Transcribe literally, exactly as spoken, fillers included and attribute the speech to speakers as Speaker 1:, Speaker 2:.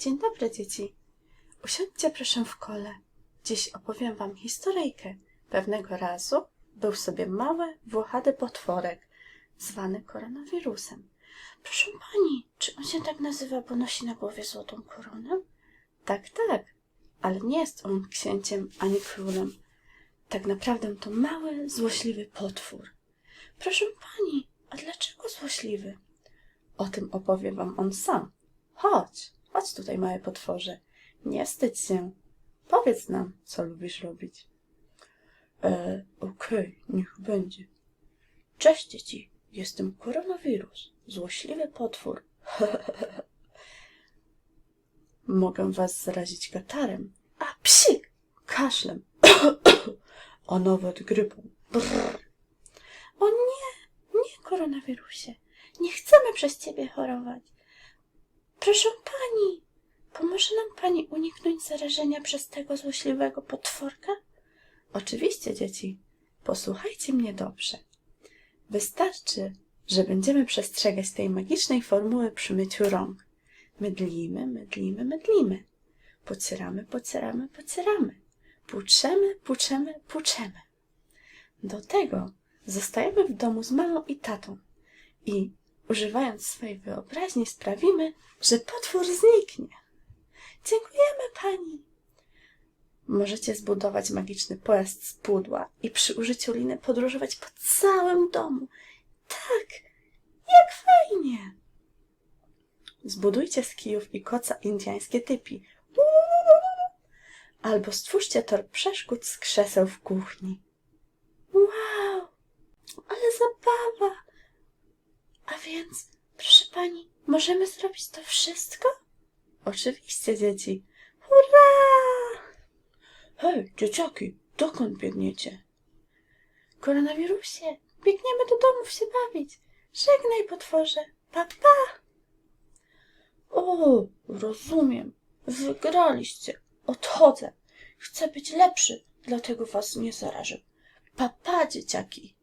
Speaker 1: Dzień dobry, dzieci. Usiądźcie proszę w kole. Dziś opowiem wam historyjkę. Pewnego razu był sobie mały, włochady potworek, zwany koronawirusem. Proszę pani, czy on się tak nazywa, bo nosi na głowie złotą koronę? Tak, tak, ale nie jest on księciem ani królem. Tak naprawdę to mały, złośliwy potwór. Proszę pani, a dlaczego złośliwy? O tym opowie wam on sam. Chodź, chodź tutaj, małe potworze. Nie wstydź się. Powiedz nam, co lubisz robić. E, okej, niech będzie. Cześć, dzieci. Jestem koronawirus, złośliwy potwór. Mogę was zarazić katarem, a psik, kaszlem, a nawet grypą. Brrr. O nie, nie, koronawirusie. Nie chcemy przez ciebie chorować. Proszę pani, pomoże nam pani uniknąć zarażenia przez tego złośliwego potworka? Oczywiście, dzieci. Posłuchajcie mnie dobrze. Wystarczy, że będziemy przestrzegać tej magicznej formuły przy myciu rąk. Mydlimy, mydlimy, mydlimy. Pocieramy, pocieramy, pocieramy. Płuczemy, płuczemy, płuczemy. Do tego zostajemy w domu z mamą i tatą i, używając swojej wyobraźni, sprawimy, że potwór zniknie. Dziękujemy pani. Możecie zbudować magiczny pojazd z pudła i przy użyciu liny podróżować po całym domu. Tak, jak fajnie. Zbudujcie z kijów i koca indyjskie typi. Albo stwórzcie tor przeszkód z krzeseł w kuchni. Wow, ale zabawa. A więc, proszę pani, możemy zrobić to wszystko? Oczywiście, dzieci. Hurra! Hej, dzieciaki, dokąd biegniecie? Koronawirusie, biegniemy do domów się bawić. Żegnaj, potworze. Pa, pa. O, rozumiem. Wygraliście. Odchodzę. Chcę być lepszy, dlatego was nie zarażę. Pa, pa, dzieciaki.